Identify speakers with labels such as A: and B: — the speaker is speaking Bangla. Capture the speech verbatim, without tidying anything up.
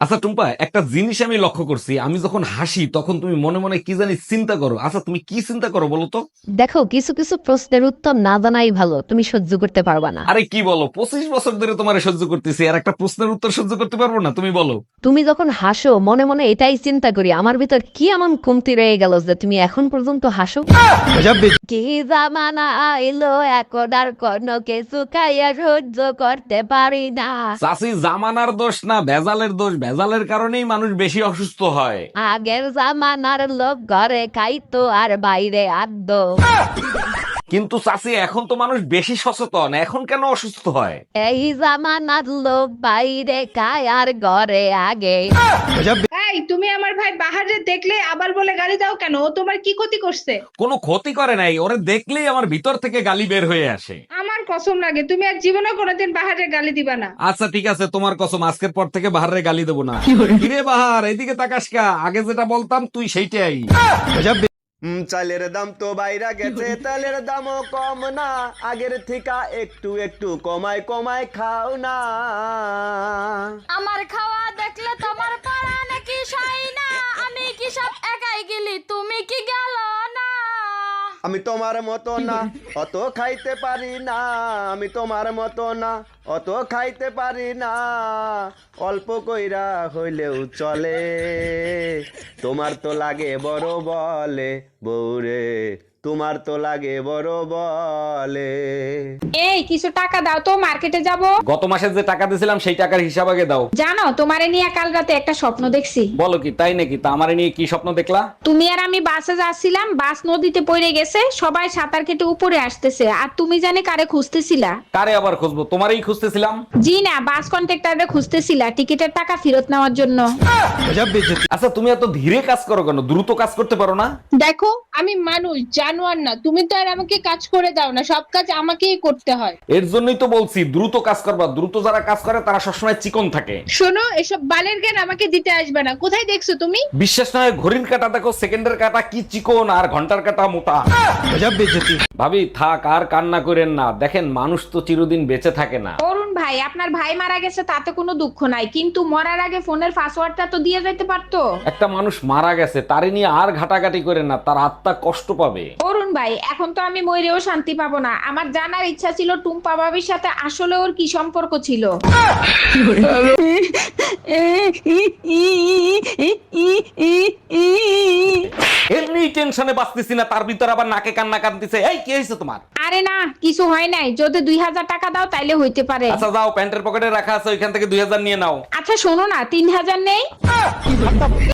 A: আচ্ছা টুম্পা, একটা জিনিস আমি লক্ষ্য করছি, আমি যখন হাসি তখন তুমি মনে মনে কি জানি চিন্তা করো। আচ্ছা তুমি কি চিন্তা করো বলো তো?
B: দেখো, কিছু কিছু প্রশ্নের উত্তর না জানাই ভালো, তুমি সহ্য করতে পারবা না।
A: আরে কি বলো, পঁচিশ বছর ধরে তোমার সহ্য করতেছি, আর একটা প্রশ্নের উত্তর সহ্য করতে পারবো না? তুমি বলো।
B: তুমি যখন হাসো মনে মনে এটাই চিন্তা করি, আমার ভিতর কি এমন কমতি রয়ে গেল যে তুমি এখন পর্যন্ত হাসো। কি জামানা আইলো, এখন আর কোনো কিছু খাইয়া সহ্য করতে পারি না।
A: চাষি জামানার দোষ না ভেজালের দোষ, ভেজালের কারণেই মানুষ বেশি অসুস্থ হয়।
B: আগের জামানার লোক ঘরে খাইতো আর বাইরে আদ্য।
A: কিন্তু চাষি এখন তো মানুষ বেশি সচেতন, এখন কেন অসুস্থ হয়?
B: এই জামানার লোক বাইরে খায় আর ঘরে আগে।
C: এই তুমি আমার ভাই বাহারে দেখলে আবার বলে গালি দাও কেন? ও তোমার কি ক্ষতি করছে?
A: কোনো ক্ষতি করে নাই, ওরে দেখলেই আমার ভিতর থেকে গালি বের হয়ে আসে।
C: আমার কসম লাগে তুমি আর জীবনে কোনোদিন বাহারে গালি দিবা না।
A: আচ্ছা ঠিক আছে, তোমার কসম, আজকের পর থেকে বাহারে গালি দেবো না। কিরে বাহার, এদিকে তাকাস কা, আগে যেটা বলতাম তুই সেইটাই।
D: উম, চালের দাম তো বাইরা গেছে, তেলের দামও কম না, আগের থেকে একটু একটু কমায় কমায় খাও না।
E: আমার খাওয়া দেখলে তোমার পাড়া নাকি সাই না, আমি কি সব একাই গেলি, তুমি কি গেল না?
D: আমি তোমার মতো না, অত খাইতে পারি না, আমি তোমার মতো না, অত খাইতে পারি না, অল্প কইরা হইলেও চলে, তোমার তো লাগে বড় বলে বউরে, তোমার তো লাগে বড় বলে।
C: এই কিছু টাকা দাও তো, মার্কেটে যাব।
A: গত মাসে যে টাকা দিয়েছিলাম সেই টাকার হিসাব আগে দাও।
C: জানো তোমারে নিয়ে কাল রাতে একটা স্বপ্ন দেখছি।
A: বলো কি, তাই নাকি? তা আমারে নিয়ে কি স্বপ্ন দেখলা?
C: তুমি আর আমি বাসে যাচ্ছিলাম, বাস নদীতে পড়ে গেছে, সবাই সাঁতার কেটে উপরে আসতেছে, আর তুমি জানি কারে খুঁজতেছিলা।
A: কারে আবার খুঁজবো, তোমারই খুঁজতেছিলাম।
C: জি না, বাস কন্ট্রাক্টরে খুঁজতেছিলা টিকিটের টাকা ফেরত নেওয়ার জন্য।
A: আচ্ছা তুমি এত ধীরে কাজ করো কেন? দ্রুত কাজ করতে পারো না?
F: দেখো আমি মানুষ, জানোয়ার না। তুমি তো আর আমাকে কাজ করে দাও না, সব কাজ আমাকেই করতে হয়।
A: এর জন্যই তো বলছি দ্রুত কাজ করবা। দ্রুত যারা কাজ করে তারা সবসময় চিকন থাকে।
F: শোনো, এসব বালের জ্ঞান আমাকে দিতে আসবে না। কোথায় দেখছো তুমি?
A: বিশ্বাস না হয় ঘড়ির কাঁটা দেখো, সেকেন্ডের কাঁটা কি চিকন আর ঘন্টার কাঁটা মোটা। ভাবি থাক, আর কান্না করেন না, দেখেন মানুষ তো চিরদিন বেঁচে থাকে না।
C: অরুণ ভাই, আপনার ভাই মারা গেছে তাতে কোনো দুঃখ নাই, কিন্তু মরার আগে ফোনের পাসওয়ার্ডটা তো দিয়ে যাইতে পারতো।
A: একটা মানুষ মারা গেছে, তারে নিয়ে আর ঘাটাঘাটি করেন না, তার আত্মা কষ্ট পাবে।
C: অরুণ ভাই, এখন তো আমি মরেও শান্তি পাবো না। আমার জানার ইচ্ছা ছিল টুম্পা ভাবির সাথে আসলে ওর কি সম্পর্ক ছিল।
A: এমনি টেনশনে বাঁচতেছি না, তার ভিতর আবার নাকে কান্না কাঁদতেছে। এই কি হয়েছে তোমার?
C: আরে না, কিছু হয় নাই। যদি দুই হাজার টাকা দাও তাইলে হইতে পারে।
A: আচ্ছা যাও, প্যান্টের পকেটে রাখা আছে, ওইখান থেকে দুই হাজার নিয়ে নাও।
C: আচ্ছা শোনো না, তিন হাজার নেই?